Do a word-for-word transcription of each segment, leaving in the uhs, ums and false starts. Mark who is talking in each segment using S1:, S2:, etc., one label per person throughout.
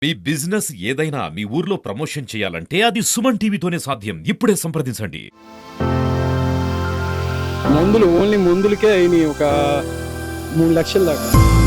S1: మీ business ఏదైనా మీ ఊర్లో promotion చేయాలంటే అది సుమన్ టీవీతోనే సాధ్యం. ఇప్పుడే సంప్రదించండి.
S2: మందులు ఓన్లీ మందులకే అయినాయి ఒక మూడు లక్షల దాకా.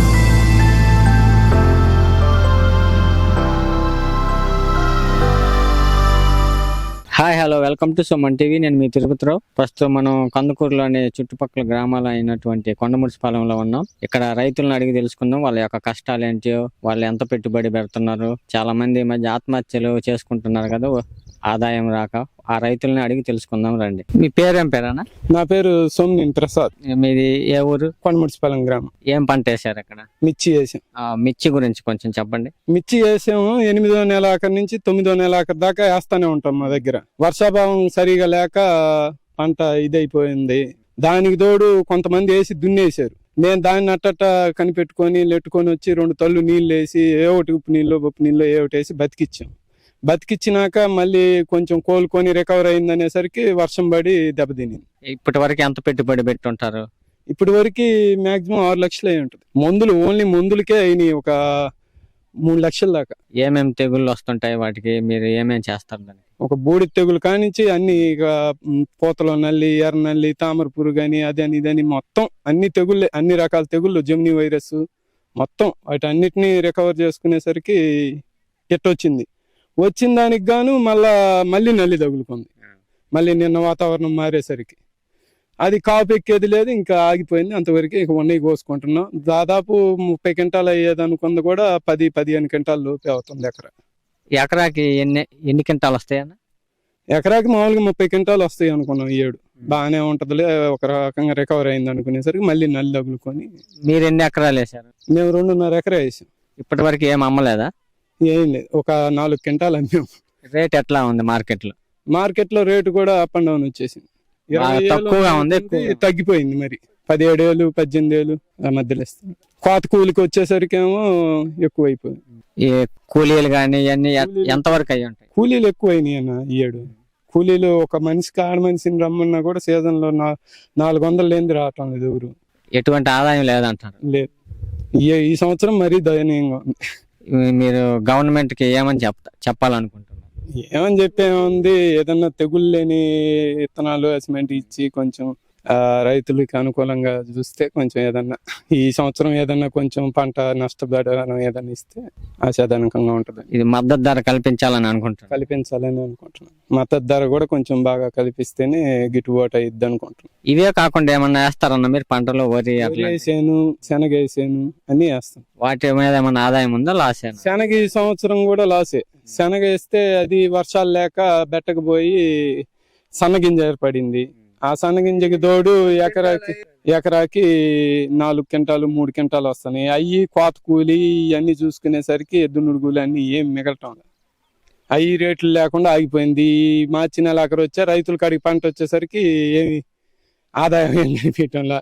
S3: Hi hello welcome to Suman TV. నేను మీ తిరుపతిరావు. ప్రస్తుతం మనం కందుకూరులోని చుట్టుపక్కల గ్రామాలు అయినటువంటి కొండముడిపాలెంలో ఉన్నాం. ఇక్కడ రైతులను అడిగి తెలుసుకుందాం వాళ్ళ యొక్క కష్టాలు ఏంటో, వాళ్ళు ఎంత పెట్టుబడి పెడుతున్నారు. చాలా మంది ఈ మధ్య ఆత్మహత్యలు చేసుకుంటున్నారు కదా, ఆదాయం రాక. ఆ రైతులని అడిగి తెలుసుకుందాం రండి. మీ పేరేం పేరేనా?
S2: నా పేరు సోమినేని ప్రసాద్.
S3: మీది ఏ ఊరు?
S2: కొండముడిపాలెం గ్రామం.
S3: ఏం పంట వేసారు అక్కడ?
S2: మిర్చి వేసాం.
S3: ఆ మిర్చి గురించి కొంచెం చెప్పండి.
S2: మిర్చి వేసాము. ఎనిమిదో నెల ఆఖరి నుంచి తొమ్మిదో నెల ఆఖరి దాకా వేస్తానే ఉంటాం. మా దగ్గర వర్షాభావం సరిగా లేక పంట ఇదైపోయింది. దానికి తోడు కొంతమంది వేసి దున్నేశారు. నేను దాన్ని అట్టట కనిపెట్టుకొని లెట్టుకొని వచ్చి రెండు తల్లు నీళ్ళు వేసి ఏ ఒకటి ఉప్పు నీళ్ళు ఉప్పు నీళ్ళు ఏ ఒకటి వేసి బతికిచ్చాం. బతికిచ్చినాక మళ్ళీ కొంచెం కోలుకొని రికవర్ అయిందనేసరికి వర్షం పడి దెబ్బతినింది.
S3: ఇప్పటి వరకు ఎంత పెట్టుబడి పెట్టుంటారు?
S2: ఇప్పటి వరకు మాక్సిమం ఆరు లక్షలు అయి ఉంటుంది. మందులు ఓన్లీ మందులకే అయినాయి ఒక మూడు లక్షల దాకా.
S3: ఏమేమి తెగుళ్ళు వస్తుంటాయి వాటికి, మీరు ఏమేమి చేస్తారు దానికి?
S2: ఒక బూడి తెగులు కానించి అన్ని ఇక పూతలో నల్లి, ఎర్ర నల్లి, తామర పురుగు అని అదని ఇదని మొత్తం అన్ని తెగుళ్ళే, అన్ని రకాల తెగుళ్ళు, జెమిని వైరస్ మొత్తం వాటి అన్నిటినీ రికవర్ చేసుకునేసరికి ఎట్టొచ్చింది. వచ్చిన దానికి గాను మళ్ళా మళ్ళీ నల్లి తగులుకుంది. మళ్ళీ నిన్న వాతావరణం మారేసరికి అది కాపు ఎక్కేది లేదు, ఇంకా ఆగిపోయింది. అంతవరకు ఇక ఉన్నాయి కోసుకుంటున్నాం. దాదాపు ముప్పై క్వింటాలు అయ్యేది అనుకుంది కూడా పది పదిహేను క్వింటాలు లోపే అవుతుంది ఎకరా.
S3: ఎకరాకి ఎన్ని ఎన్ని క్వింటాలు వస్తాయన్న?
S2: ఎకరాకి మామూలుగా ముప్పై క్వింటాలు వస్తాయి అనుకున్నాం. ఈ ఏడు బాగానే ఉంటదిలే, ఒక రకంగా రికవర్ అయింది అనుకునేసరికి మళ్ళీ నల్లి తగులుకొని.
S3: మీరు ఎన్ని ఎకరాలు వేసారు?
S2: మేము రెండున్నర ఎకరా వేసాం.
S3: ఇప్పటి వరకు ఏం అమ్మలేదా?
S2: ఏం లేదు, ఒక నాలుగు క్వింటాలు అమ్మాం.
S3: రేట్ ఎట్లా ఉంది మార్కెట్ లో?
S2: మార్కెట్ లో రేటు కూడా అప్ అండ్ డౌన్ వచ్చేసింది.
S3: తక్కువగా ఉంది,
S2: తగ్గిపోయింది. మరి పదిహేడు వేలు పద్దెనిమిది వేలు ఆ మధ్యలో ఇస్తుంది. కోత కూలికి వచ్చేసరికి ఏమో ఎక్కువ అయిపోయింది.
S3: ఈ కూలీలు కానీ ఇవన్నీ ఎంత వరకు అయ్యి ఉంటాయి?
S2: కూలీలు ఎక్కువ అయినాయి అన్న ఈ ఏడు. కూలీలు ఒక మనిషికి ఆడ మనిషిని రమ్మన్నా కూడా సీజన్ లో నాలుగు వందలు లేనిది రావటం లేదు ఎవరు.
S3: ఎటువంటి ఆదాయం లేదంటారు?
S2: లేదు, ఈ సంవత్సరం మరీ దయనీయంగా ఉంది.
S3: మీరు గవర్నమెంట్ కి ఏమని చెప్తా చెప్పాలనుకుంటున్నారు?
S2: ఏమని చెప్పేముంది, ఏదన్నా తెగులు లేని విత్తనాలు అసిమెంట్ ఇచ్చి కొంచెం ఆ రైతులకి అనుకూలంగా చూస్తే కొంచెం ఏదన్నా ఈ సంవత్సరం ఏదన్నా కొంచెం పంట నష్టపడడం ఏదన్నా ఇస్తే ఆశాజనకంగా ఉంటుంది.
S3: ఇది మద్దతు ధర కల్పించాలని అనుకుంటున్నాను.
S2: కల్పించాలని అనుకుంటున్నాను. మద్దతు ధర కూడా కొంచెం బాగా కల్పిస్తేనే గిట్టుబాటు అయ్యిద్ది అనుకుంటున్నాను.
S3: ఇవే కాకుండా ఏమన్నా వేస్తారన్న మీరు పంటలో? వరి
S2: వేసాను, శనగ వేసాను, అన్ని వేస్తాం.
S3: వాటి మీద ఏమన్నా ఆదాయం ఉందా? లాసే?
S2: శనగ ఈ సంవత్సరం కూడా లాసే. శనగ వేస్తే అది వర్షాలు లేక బెట్టకపోయి సన్నగింజ ఏర్పడింది. ఆ సన్నగింజకి తోడు ఎకరాకి ఎకరాకి నాలుగు క్వింటాలు మూడు క్వింటాలు వస్తున్నాయి. అవి కోత కూలి ఇవన్నీ చూసుకునేసరికి ఎద్దునుడు కూలి అన్ని ఏం మిగలటం లేదు. అవి రేట్లు లేకుండా ఆగిపోయింది. మార్చి నెల అక్కడ వచ్చా రైతుల కాడికి పంట వచ్చేసరికి ఏమి ఆదాయం ఏం కనిపించడంలా.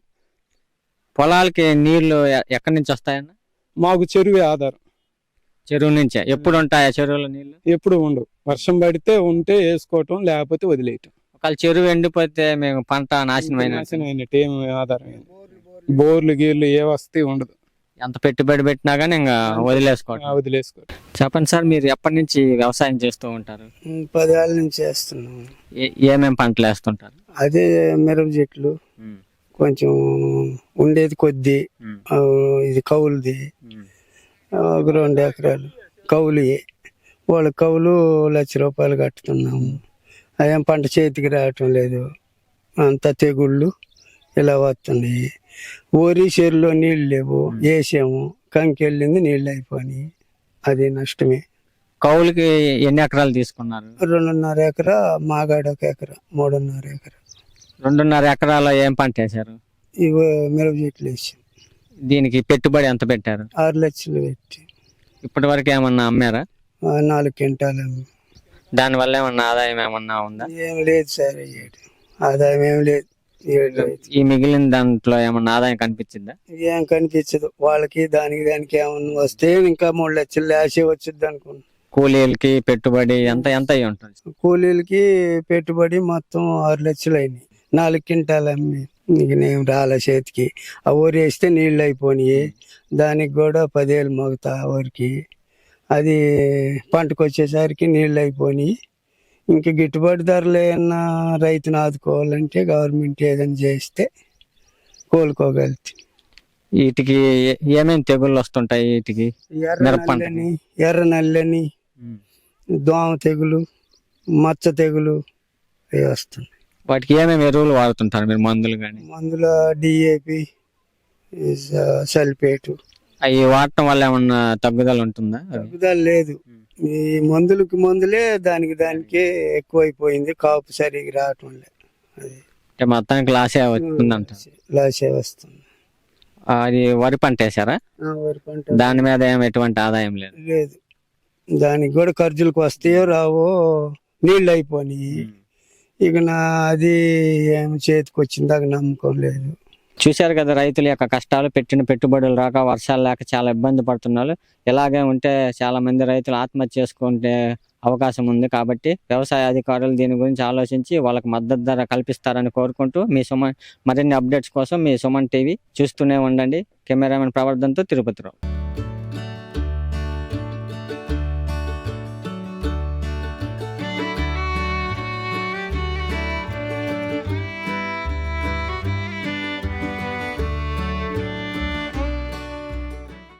S3: పొలాలకి నీళ్లు ఎక్కడి నుంచి వస్తాయన్న?
S2: మాకు చెరువే ఆధారం.
S3: చెరువు నుంచే? ఎప్పుడు ఉంటాయా చెరువులో నీళ్లు? ఎప్పుడు
S2: ఉండవు. వర్షం పడితే ఉంటే వేసుకోవటం, లేకపోతే వదిలేయటం.
S3: ఒకవేళ చెరువు ఎండిపోతే మేము పంట నాశనం
S2: అయినట్టు ఏం ఆధారం. బోర్లు గీర్లు ఏ వస్తాయి ఉండదు.
S3: ఎంత పెట్టుబడి పెట్టినా కానీ ఇంకా వదిలేసుకోవటం.
S2: వదిలేసుకోవటం.
S3: చెప్పండి సార్, మీరు ఎప్పటి నుంచి వ్యవసాయం చేస్తూ ఉంటారు?
S4: పదేళ్ళ నుంచి చేస్తున్నాం.
S3: ఏమేమి పంటలు వేస్తుంటారు?
S4: అదే మిరప చెట్లు, కొంచెం ఉండేది కొద్ది, ఇది కౌలుది ఒక రెండు ఎకరాలు కౌలు. వాళ్ళ కౌలు లక్ష రూపాయలు కట్టుతున్నాము. అదేం పంట చేతికి రావటం లేదు. అంత తెగుళ్ళు ఇలా వస్తున్నాయి. ఊరి చెరువులో నీళ్ళు లేవు, వేసాము, కంకి వెళ్ళింది, నీళ్ళు అయిపోయినాయి. అది నష్టమే.
S3: కౌలుకి ఎన్ని ఎకరాలు తీసుకున్నారు?
S4: రెండున్నర ఎకరా, మాగాడు ఒక ఎకరా, మూడున్నర ఎకరా.
S3: రెండున్నర ఎకరాలో ఏం పంట వేసారు?
S4: ఇవి మిరప చెట్లు వేసాం.
S3: దీనికి పెట్టుబడి ఎంత పెట్టారు?
S4: ఆరు లక్షలు పెట్టి.
S3: ఇప్పటి వరకు ఏమన్నా అమ్మారా?
S4: నాలుగు క్వింటాలు.
S3: దాని వల్ల ఏమన్నా ఆదాయం ఏమన్నా ఉందా?
S4: ఏం లేదు సార్, ఆదాయం ఏం లేదు.
S3: ఈ మిగిలిన దాంట్లో ఏమన్నా ఆదాయం కనిపించిందా?
S4: ఏం కనిపించదు. వాళ్ళకి దానికి దానికి ఏమన్నా వస్తే ఇంకా మూడు లక్షలు లాసే వచ్చింది అనుకున్నా.
S3: కూలీలకి పెట్టుబడి ఎంత ఎంత అయి ఉంటుంది?
S4: కూలీలకి పెట్టుబడి మొత్తం ఆరు లక్షలు అయినాయి. నాలుగు క్వింటాలు అమ్మి నీకు నేను రాలే చేతికి. ఆ ఊరు వేస్తే నీళ్ళు అయిపోయినాయి. దానికి కూడా పదేళ్ళు మోగుతా ఊరికి. అది పంటకు వచ్చేసరికి నీళ్ళు అయిపోయి ఇంక గిట్టుబాటు ధరలు ఏమన్నా రైతును ఆదుకోవాలంటే గవర్నమెంట్ ఏదైనా చేస్తే కోలుకోగలుగుతుంది.
S3: వీటికి ఏ- ఏమేమి తెగుళ్ళు వస్తుంటాయి వీటికి?
S4: ఎర్ర
S3: మిరప పంటకి.
S4: నల్లని ఎర్ర నల్లని దోమ తెగులు, మచ్చ తెగులు అవి వస్తున్నాయి.
S3: వాటికి ఏమేమి ఎరువులు వాడుతుంటారు మీరు, మందులు కానీ?
S4: మందులో డిఏపి, సల్ఫేటు
S3: అవి వాడటం వల్ల ఏమన్నా తగ్గుదల ఉంటుందా?
S4: తగ్గుదల లేదు. ఈ మందులకి మందులే దానికి దానికే ఎక్కువైపోయింది, కాపు సరిగ్గా రావటం లేదు. అది
S3: అంటే మొత్తానికి లాసే వస్తుందంట.
S4: లాసే వస్తుంది.
S3: అది వరి పంట వేసారా?
S4: ఆ, వరి పంట
S3: దాని మీద ఏం ఎటువంటి ఆదాయం లేదు.
S4: లేదు. దానికి కూడా ఖర్చులకు వస్తాయో రావో నీళ్ళు అయిపోయినాయి. ఇక నా అది ఏమి చేతికి వచ్చిందాక నమ్మకం లేదు.
S3: చూశారు కదా రైతుల యొక్క కష్టాలు, పెట్టిన పెట్టుబడులు రాక, వర్షాలు లేక చాలా ఇబ్బంది పడుతున్నారు. ఇలాగే ఉంటే చాలా మంది రైతులు ఆత్మహత్య చేసుకుంటే అవకాశం ఉంది. కాబట్టి వ్యవసాయ అధికారులు దీని గురించి ఆలోచించి వాళ్ళకి మద్దతు ధర కల్పిస్తారని కోరుకుంటూ మీ సుమన్ మరిన్ని అప్డేట్స్ కోసం మీ సుమన్ టీవీ చూస్తూనే ఉండండి. కెమెరామెన్ ప్రవర్ధన్తో తిరుపతిరావు.